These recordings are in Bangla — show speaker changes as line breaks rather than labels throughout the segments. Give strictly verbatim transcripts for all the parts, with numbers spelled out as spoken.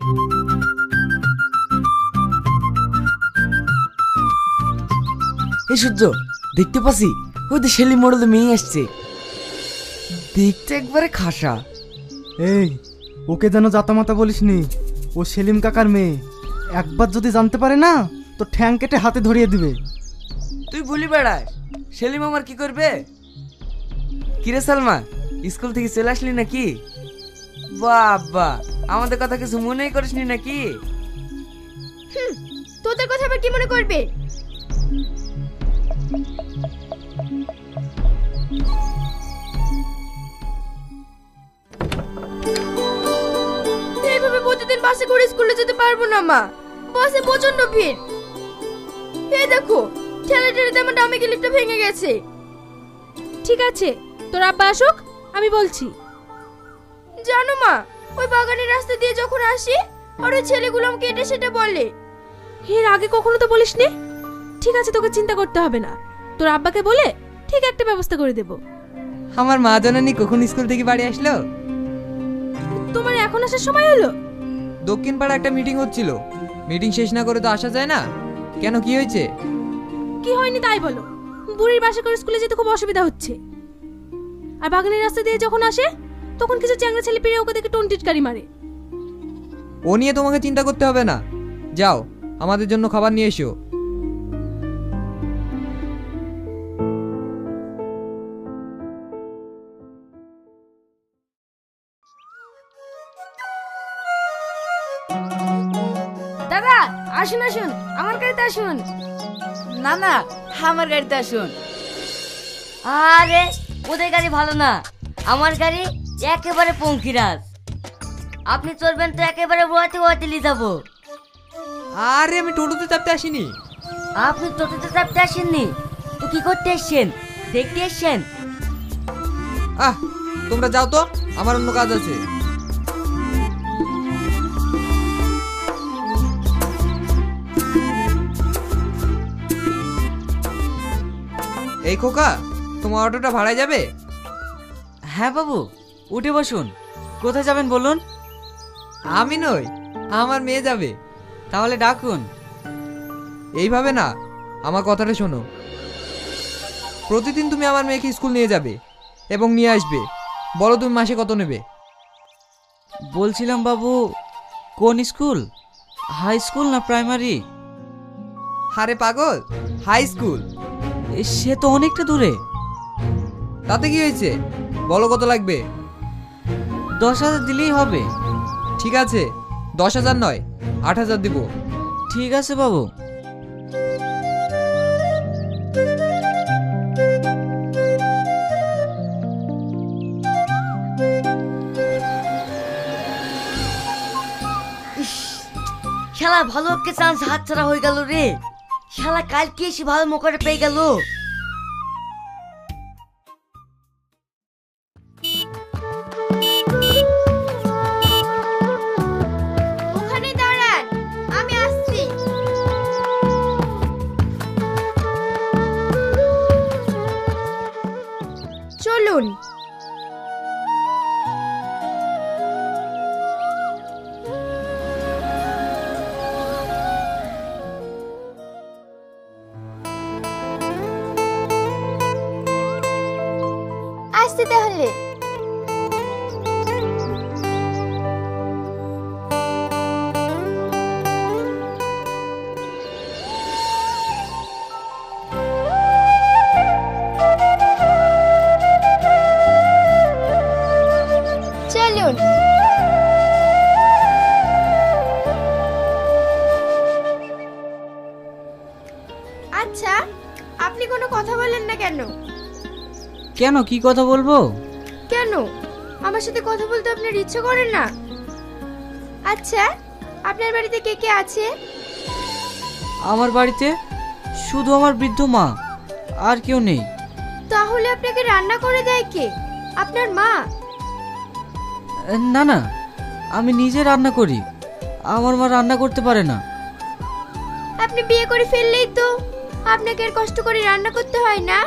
এই সূর্য, দেখতে পাচ্ছি ওই তো সেলিম মোড়লে মেয়ে আসছে। দেখতে একবারে খাসা।
এই, ওকে যেন জাতামাতা বলিস নি, ও সেলিম কাকার মেয়ে। একবার যদি জানতে পারে না তো ঠ্যাং কেটে হাতে ধরিয়ে দিবে।
তুই বলি বেড়াস, সেলিম আমার কি করবে? কিরে সালমা, স্কুল থেকে চলে আসলি নাকি? বাবা, আমাদের কথা কিছু মনেই করিসনি নাকি?
হুম, তোদের কথা আবার কি মনে করবে? এইভাবে প্রতিদিন বাসে করে স্কুলে যেতে পারবো না মা, বাসে প্রচন্ড ভিড়। এই দেখো, ঠেলে ঠেলে আমার ডামে গিলিপটা ভেঙে গেছে।
ঠিক আছে, তোর আব্বা আসুক, আমি বলছি।
জানো মা, ওই বাগানের রাস্তা দিয়ে যখন আসি আর ওই ছেলেগুলো আমাকে এটা সেটা বলে।
এর আগে কখনো তো বলিসনি। ঠিক আছে, তোকে চিন্তা করতে হবে না, তোর আব্বাকে বলে ঠিক একটা ব্যবস্থা করে দেব।
আমার মা জননী কখন স্কুল থেকে বাড়ি আসলো?
তোমার এখন আসার সময় হলো?
দক্ষিণ পাড়া একটা মিটিং হচ্ছিল, মিটিং শেষ না করে তো আসা যায় না। কেন, কি হয়েছে?
কি হয়নি তাই বলো। বুড়ির বাসে করে স্কুলে যেতে খুব অসুবিধা হচ্ছে। আর বাগানের রাস্তা দিয়ে যখন আসে তখন কিছু চ্যাংড়া ছেলে পেরে ওকে দেখে টন্টিটকারি মারে।
ও নিয়ে তোমাকে চিন্তা করতে হবে না, যাও আমাদের জন্য খাবার নিয়ে এসো।
দাদা আসুন আসুন, আমার গাড়িতে আসুন।
না না, আমার গাড়িতে আসুন। আরে ওদের গাড়ি ভালো না, আমার গাড়ি একেবারে পঙ্কিরাজ। আপনি চলবেন তো একেবারে ওয়াতে ওয়াতে নিয়ে যাবো।
আরে আমি টোটোতে চাপতে আসিনি।
আপনি টোটোতে চাপতে আসেননি তো কি করতে এসছেন? দেখতে এসছেন?
আহ, তোমরা যাও তো, আমার অন্য কাজ আছে। এই খোকা, তোমার অটোটা ভাড়ায় যাবে?
হ্যাঁ বাবু, উঠে বসুন। কোথায় যাবেন বলুন?
আমি নই, আমার মেয়ে যাবে।
তাহলে ডাকুন।
এইভাবে না, আমার কথাটা শোনো। প্রতিদিন তুমি আমার মেয়েকে স্কুল নিয়ে যাবে এবং নিয়ে আসবে। বলো তুমি মাসে কত নেবে?
বলছিলাম বাবু, কোন স্কুল? হাই স্কুল না প্রাইমারি?
আরে পাগল, হাই স্কুল।
সে তো অনেকটা দূরে।
তাতে কি হয়েছে, বলো কত লাগবে?
দশ হাজার দিলেই হবে।
ঠিক আছে, দশ হাজার নয়, আট হাজার দিব।
ঠিক আছে বাবু।
শালা ভালো একটা চান্স হাতছাড়া হয়ে গেল রে। শালা কালকে এসে ভালো মোকারে পেয়ে গেল।
ওখানে দাঁড়ান, আমি আসছি। চলুন। আসতে তাহলে। চলুন। আচ্ছা, আপনি কোনো কথা বলেন না কেন?
কেন, কি কথা বলবো?
কেন, আমার সাথে কথা বলতে আপনার ইচ্ছে করে না? আচ্ছা, আপনার বাড়িতে কে কে আছে?
আমার বাড়িতে শুধু আমার বৃদ্ধ মা, আর কেউ নেই।
তাহলে আপনাকে রান্না করে দেয় কে? আপনার মা?
না না, আমি নিজে রান্না করি। আমার মা রান্না করতে পারে না।
আপনি বিয়ে করে ফেললেই তো আপনাকে আর কষ্ট করে রান্না করতে হয় না।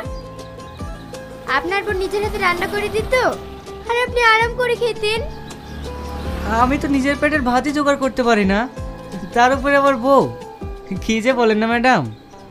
আপনার বোন নিজের হাতে রান্না করে দিত আর আপনি আরাম করে খেতেন।
আমি তো নিজের পেটের ভাতই জোগাড় করতে পারি না, তার উপরে আবার বউ। কি যে বলেন না ম্যাডাম।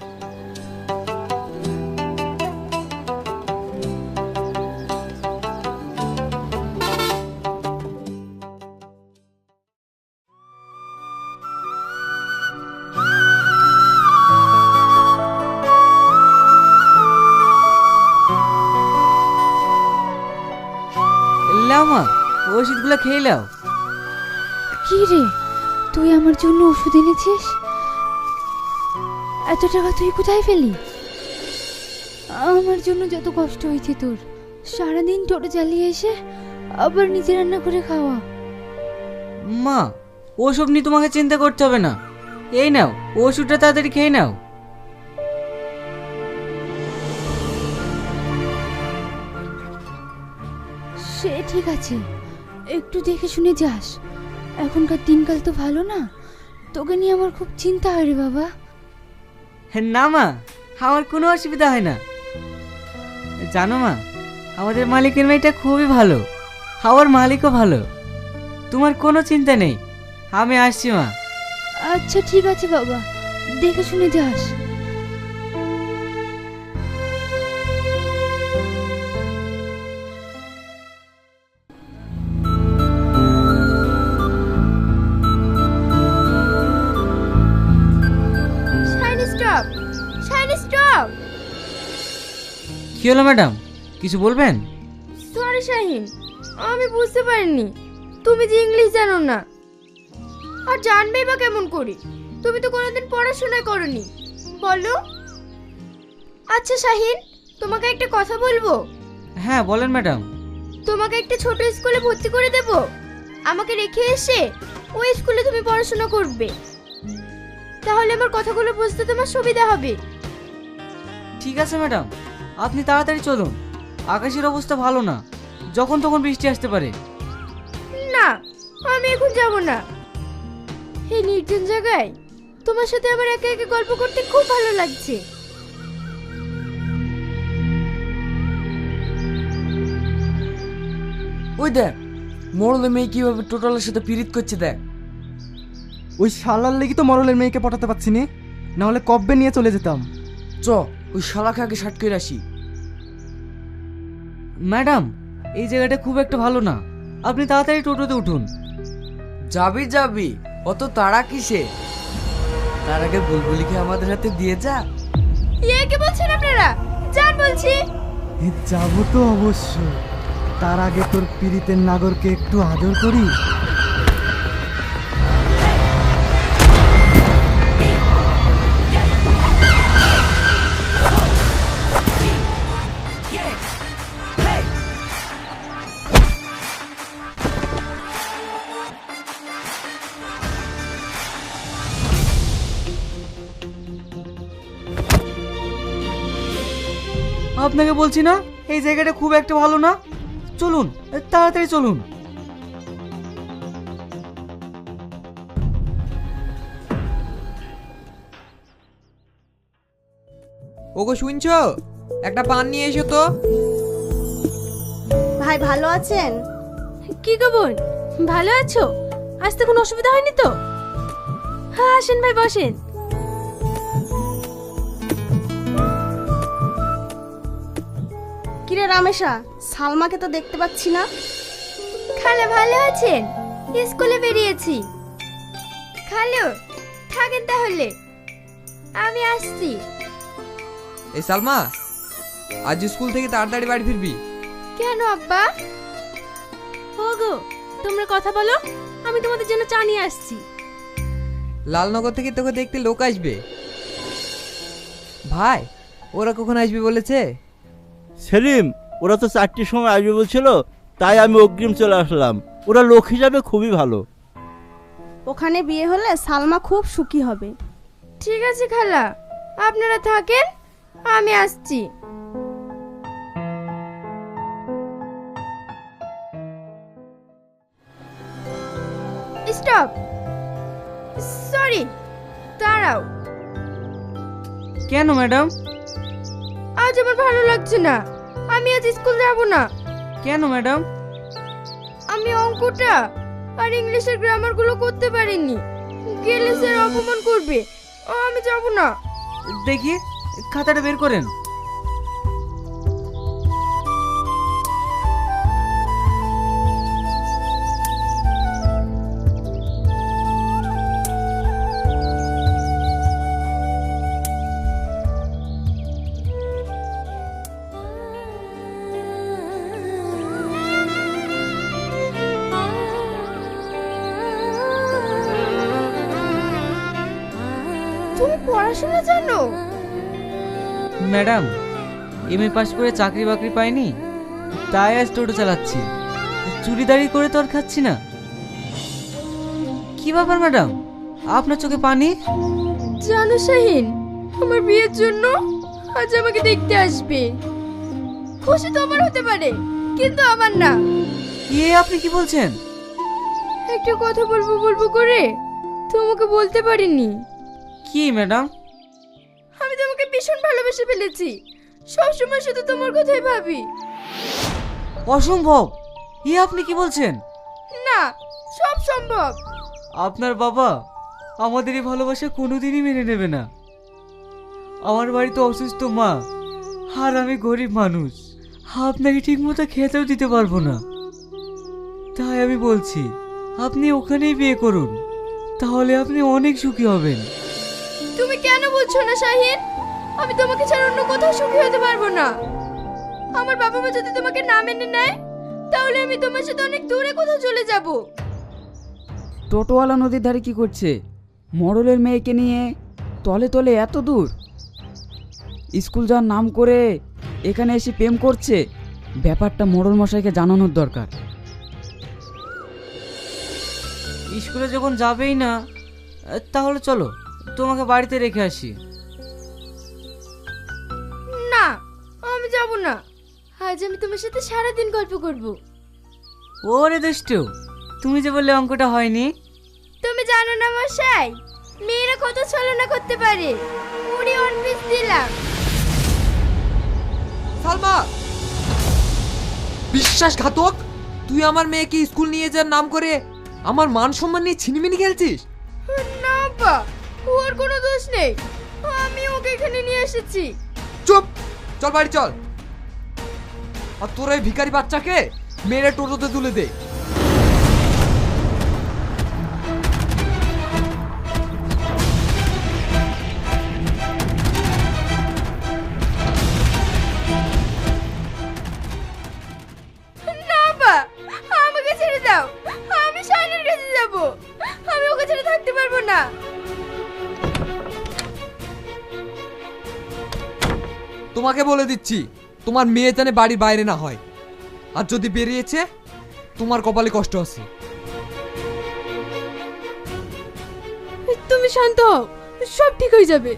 লাও মা, ওষুধগুলো খেয়ে লাও।
কি রে, তুই আমার জন্য ওষুধ এনেছিস? এত টাকা তুই কোথায় পেলি? আমার জন্য যত কষ্ট হয়েছে তোর, সারাদিন টোটো চালিয়ে এসে আবার নিজে রান্না করে খাওয়া।
মা, ওসব নিয়ে তোমাকে চিন্তা করতে হবে না। এই নাও ওষুধটা, তাড়াতাড়ি খেয়ে নাও।
সে ঠিক আছে, একটু দেখে শুনে যাস। এখনকার দিনকাল তো ভালো না, তোকে নিয়ে আমার খুব চিন্তা হয় রে বাবা।
না মা, আমার কোনো অসুবিধা হয় না। জানো মা, আমাদের মালিকের মেয়েটা খুবই ভালো, আমার মালিকও ভালো। তোমার কোনো চিন্তা নেই, আমি আসছি মা।
আচ্ছা ঠিক আছে বাবা, দেখে শুনে যাস। Stop, Shiny stop.
কি হলো ম্যাডাম, কিছু বলবেন?
সরি শাহিন, আমি বুঝতে পারিনি তুমি যে ইংলিশ জানো না। আর জানবেই বা কেমন করি, তুমি তো কোনোদিন পড়াশোনা করনি। বলো। আচ্ছা শাহিন, তোমাকে একটা কথা বলবো।
হ্যাঁ বলেন ম্যাডাম।
তোমাকে একটা ছোট স্কুলে ভর্তি করে দেব, আমাকে রেখে এসে ওই স্কুলে তুমি পড়াশোনা করবে। তাহলে আমার কথাগুলো বুঝতে তোমার সুবিধা হবে।
ঠিক আছে ম্যাডাম, আপনি তাড়াতাড়ি চলুন, আকাশের অবস্থা ভালো না, যখন তখন বৃষ্টি আসতে পারে।
না, আমি এখন যাব না। এই নির্জন জায়গায় তোমার সাথে আমার একা একা গল্প করতে খুব ভালো লাগছে।
ওই দেখ, মরলে মেয়ে কিভাবে টোটালের সাথে পিরিত করছে দেখ।
ওই শালার লেগে তো মরলের মেয়েকে পটাতে পারছি নে, না হলে কব্বে নিয়ে চলে যেতাম।
চ, ওই শালাকে আগে শার্ট করে আসি। ম্যাডাম, এই জায়গাটা খুব একটা ভালো না, আপনি তাড়াতাড়ি টোটোতে উঠুন। যাবি যাবি, অত তাড়া কিসে? তার আগে বুলবুলিকে আমাদের হাতে দিয়ে যা।
ইয়ে কি বলছেন আপনারা? জান বলছি।
এ যাবো তো অবশ্য, তার আগে তোর পীড়িতের নাগরকে একটু আদর করি।
আপনাকে বলছি না, এই জায়গাটা খুব একটা ভালো না। চলুন, তাড়াতাড়ি চলুন।
ওগো শুনছো, একটা পান নিয়ে এসো তো।
ভাই ভালো আছেন? কি গো বোন, ভালো আছো? আসতে কোনো অসুবিধা হয়নি তো? হ্যাঁ আসেন ভাই, বসেন।
কিরে রামেশা, সালমাকে তো দেখতে পাচ্ছি না।
খালা ভালো আছেন? স্কুলে বেরিয়েছি। খালু থাকেন তাহলে, আমি আসছি।
এই সালমা, আজ স্কুল থেকে তাড়াতাড়ি বাড়ি ফিরবি।
কেন আব্বা?
ওগো তোমরা কথা বলো, আমি তোমাদের জন্য চা নিয়ে আসছি।
লালনগর থেকে তোকে দেখতে লোক আসবে। ভাই, ওরা কখন আসবে বলেছে?
সেলিম, ওরা তো চারটির সময় আসবে বলছিল, তাই আমি অগ্রিম চলে আসলাম। ওরা লোক হিসাবে খুবই ভালো।
ওখানে বিয়ে হলে সালমা খুব সুখী হবে।
ঠিক আছে খালা, আপনারা থাকেন, আমি আসছি। স্টপ, সরি, দাঁড়াও।
কেন ম্যাডাম?
আজ আমার ভালো লাগছে না, আমি আজ স্কুল যাব না।
কেন ম্যাডাম?
আমি অঙ্কটা আর ইংলিশের গ্রামারগুলো করতে পারিনি। গেলে স্যার অপমান করবে, আমি যাব না।
দেখি খাতাটা বের করেন।
তুমি পড়াশোনা জানো?
ম্যাডাম, এম এ পাশ করে চাকরি বাকরি পাইনি, তাই আজ টোটো চালাচ্ছি। চুরিদারি করে তো আর খাচ্ছি না। কি ব্যাপার ম্যাডাম, আপনার চোখে পানি?
জানো শাহিন, আমার বিয়ের জন্য আজ আমাকে দেখতে আসবে। খুশি তো আমার হতে পারে, কিন্তু আমার না।
এ আপনি কি বলছেন?
একটা কথা বলবো বলবো করে তোমাকে বলতে পারিনি।
কি ম্যাডাম?
আমি তোমাকে ভীষণ ভালোবেসে ফেলেছি, সবসময় শুধু তোমার কথাই ভাবি।
অসম্ভব! এ আপনি কি বলছেন?
না, সব সম্ভব।
আপনার বাবা আমাদের এই ভালোবাসা কোনোদিনই মেনে নেবে না। আমার বাড়িতে অসুস্থ মা, আর আমি গরিব মানুষ, আপনাকে ঠিকমতো খেতেও দিতে পারবো না। তাই আমি বলছি আপনি ওখানেই বিয়ে করুন, তাহলে আপনি অনেক সুখী হবেন।
তুমি কেন বুঝছো না শাহিন? আমি তোমাকে ছাড়া অন্য কোথাও সুখী হতে পারবো না। আমার বাবা মা যদি তোমাকে না মেনে নেয়, তাহলে আমি তোমার সাথে অনেক দূরে কোথাও চলে যাব।
টোটোওয়ালা নদীর ধারে কি করছে? মডেলের মেয়েকে নিয়ে তলে তলে এত দূর স্কুল যাওয়ার নাম করে এখানে এসে প্রেম করছে। ব্যাপারটা মোড়ল মশাইকে জানানোর দরকার।
স্কুলে যখন যাবেই না, তাহলে চলো তোমাকে বাড়িতে রেখে আসি।
না, আমি যাব না। আজ আমি তোমার সাথে সারা দিন গল্প করব।
ওরে দুষ্টু, তুমি যে বললে অঙ্কটা হয়নি।
তুমি জানো না মশাই, মেয়েরা কত ছলনা করতে পারে। উড়ি অন পিস দিলাম।
সালমা, বিশ্বাসঘাতক! তুই আমার মেয়েকে স্কুল নিয়ে যাওয়ার নাম করে আমার মান সম্মান নিয়ে ছিনিমিনি খেলছিস।
না বাবা, ওর কোনো দোষ নেই, আমি ওকে এখানে নিয়ে এসেছি।
চুপ! চল বাড়ি চল। আর তোর এই ভিখারি বাচ্চাকে মেরে টোটোতে তুলে দে।
না বাবা, আমাকে ছেড়ে দাও। আমি শাহিনের কাছে যাব। আমি ওকে ছেড়ে থাকতে পারবো না।
তোমাকে বলে দিচ্ছি, তোমার মেয়ে জানে বাড়ির বাইরে না হয়, আর যদি বেরিয়েছে তোমার কপালে কষ্ট আছে।
তুমি শান্ত হও, সব ঠিক হয়ে যাবে।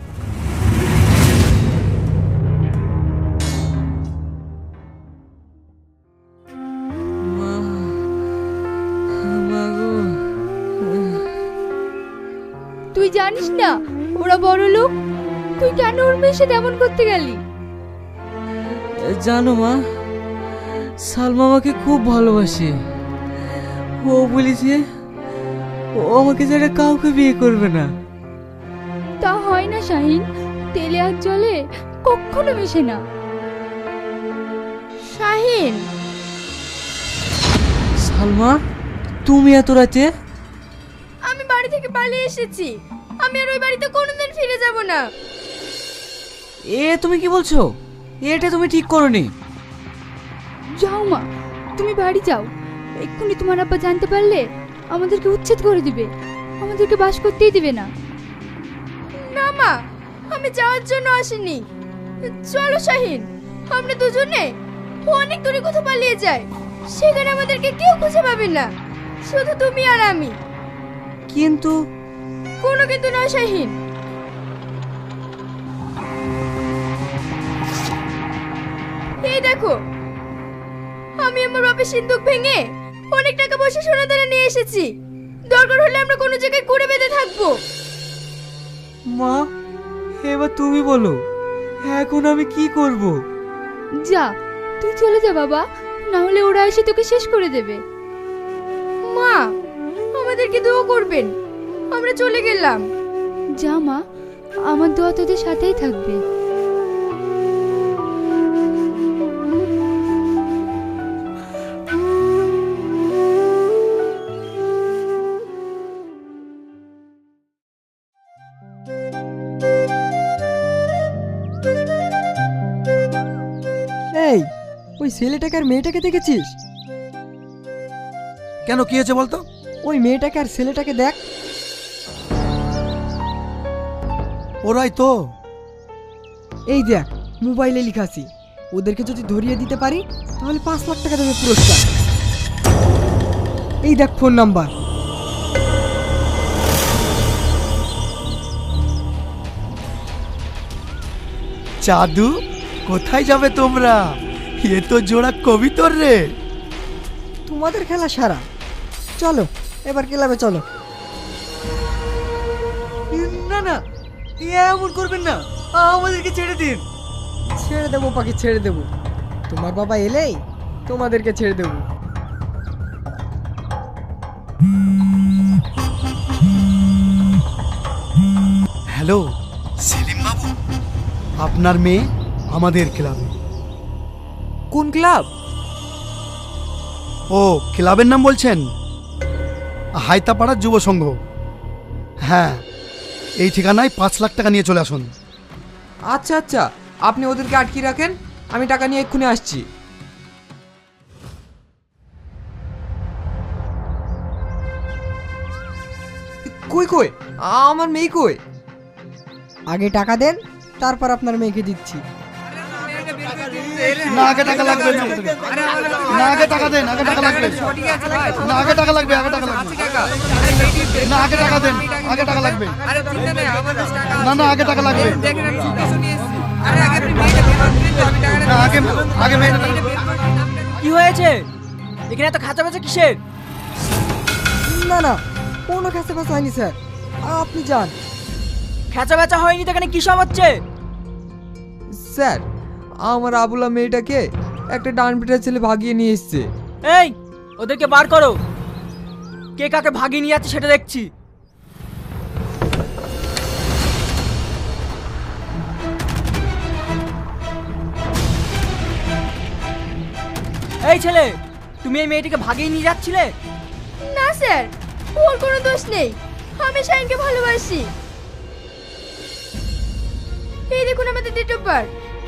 তুই জানিস না ওরা বড় লোক? তুই কেন ওর মেয়ের সাথে এমন করতে গেলি?
জানো মা, সালমা আমাকে খুব ভালোবাসে। ও বলেছে ও আমাকে ছাড়া কাউকে বিয়ে করবে না।
তা হয় না শাহিন, তেলে আর জলে কখনো মেশে না। শাহিন,
সালমা, তুমি এত রাতে?
আমি বাড়ি থেকে পালিয়ে এসেছি। আমি আর ওই বাড়িতে কোনোদিন ফিরে যাব না।
এ তুমি কি বলছো? এটা তুমি ঠিক করনি।
যাও মা, তুমি বাড়ি যাও। এক্ষুনি তোমার আব্বা জানতে পারলে আমাদেরকে উচ্ছেদ করে দিবে, আমাদেরকে বাস করতেই দিবে না। না মা, আমি যাওয়ার জন্য আসিনি। চলো শাহিন, আমরা দুজনে অনেক দূরে কোথাও পালিয়ে যাই। সেখানে আমাদেরকে কেউ খুঁজে পাবে না, শুধু তুমি আর আমি।
কিন্তু
কোনো কিন্তু নয় শাহিন। এই দেখো, আমি আমার বাপের সিন্দুক ভেঙে অনেক টাকা পয়সা সোনা দানা নিয়ে এসেছি। দরকার হলে আমরা কোনো জায়গায় কুড়ে বেঁধে থাকবো।
মা, এবার তুমি বলো, এখন আমি কি করব?
যা, তুই চলে যা বাবা, না হলে ওরা এসে তোকে শেষ করে দেবে। মা, দোয়া করবেন। আমরা চলে গেলাম।
যা মা, আমার দোয়া তোদের সাথেই থাকবে।
এই, ওই ছেলেটাকে আর মেয়েটাকে দেখেছিস?
কেন, কি হয়েছে বলতো?
ওই মেয়েটাকে আর ছেলেটাকে দেখ।
ওরাই তো।
এই দেখ, মোবাইলে লেখা আছে, ওদেরকে যদি ধরিয়ে দিতে পারি তাহলে পাঁচ লাখ টাকা দেবে পুরস্কার। এই দেখ ফোন নাম্বার।
জাদু, কোথায় যাবে তোমরা? এ তো জোড়া কবিতর রে।
তোমাদের খেলা সারা, চলো এবার ক্লাবে চলো।
না না, এমন করবেন না, আমাদেরকে ছেড়ে দিন।
ছেড়ে দেবো পাখি, ছেড়ে দেবো। তোমার বাবা এলেই তোমাদেরকে ছেড়ে দেবো।
হ্যালো সেলিম বাবু, আপনার মেয়ে আমাদের ক্লাবে।
কোন ক্লাব?
ও, ক্লাবের নাম বলছেন? হায়তাপাড়ার যুব সংঘ। হ্যাঁ, এই ঠিকানায় পাঁচ লাখ টাকা নিয়ে চলে আসুন।
আচ্ছা আচ্ছা, আপনি ওদেরকে আটকে রাখেন, আমি টাকা নিয়ে এক্ষুনি আসছি। কই কই আমার মেয়ে কই?
আগে টাকা দেন, তারপর আপনার মেয়েকে দিচ্ছি।
না, আগে টাকা লাগবে না। না, আগে টাকা দেন, আগে টাকা লাগবে। না, আগে টাকা লাগবে, আগে টাকা লাগবে। না, আগে টাকা দেন, আগে টাকা লাগবে। না না, আগে টাকা লাগবে। না, আগে আগে মেয়েটা টাকা।
কি হয়েছে এখানে এত খাঁচা বেচা কিসের?
না না, কোনো কাছে পাশে হয়নি স্যার, আপনি যান।
খাঁচা বেচা হয়নি তো এখানে কি সব হচ্ছে?
স্যার, আমার আবুলা মেয়েটাকে একটা ডান পিটার ছেলে ভাগিয়ে নিয়ে এসছে।
এই, ওদেরকে বার করো। কে কাকে ভাগিয়ে নিয়ে যাচ্ছে সেটা দেখছি। এই ছেলে, তুমি এই মেয়েটিকে ভাগিয়ে নিয়ে যাচ্ছিলে?
না স্যার, ওর কোনো দোষ নেই। আমি শাইনকে ভালোবাসি। এই দেখুন আমাদের ডেট অফ বার্থ।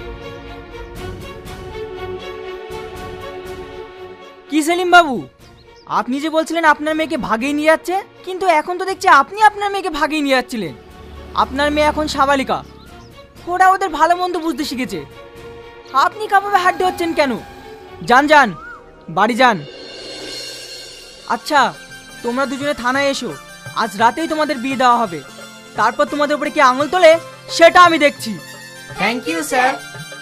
কি সেলিম বাবু, আপনি যে বলছিলেন আপনার মেয়েকে ভাগিয়ে নিয়ে যাচ্ছে, কিন্তু এখন তো দেখছি আপনি আপনার মেয়েকে ভাগিয়ে নিয়ে যাচ্ছিলেন। আপনার মেয়ে এখন সাবালিকা, ওরা ওদের ভালো মন্দ বুঝতে শিখেছে। আপনি কাভাবে হাঁটতে হচ্ছেন কেন? যান যান, বাড়ি যান। আচ্ছা, তোমরা দুজনে থানায় এসো, আজ রাতেই তোমাদের বিয়ে দেওয়া হবে। তারপর তোমাদের উপরে কি আঙুল তোলে সেটা আমি দেখছি।
Thank you sir.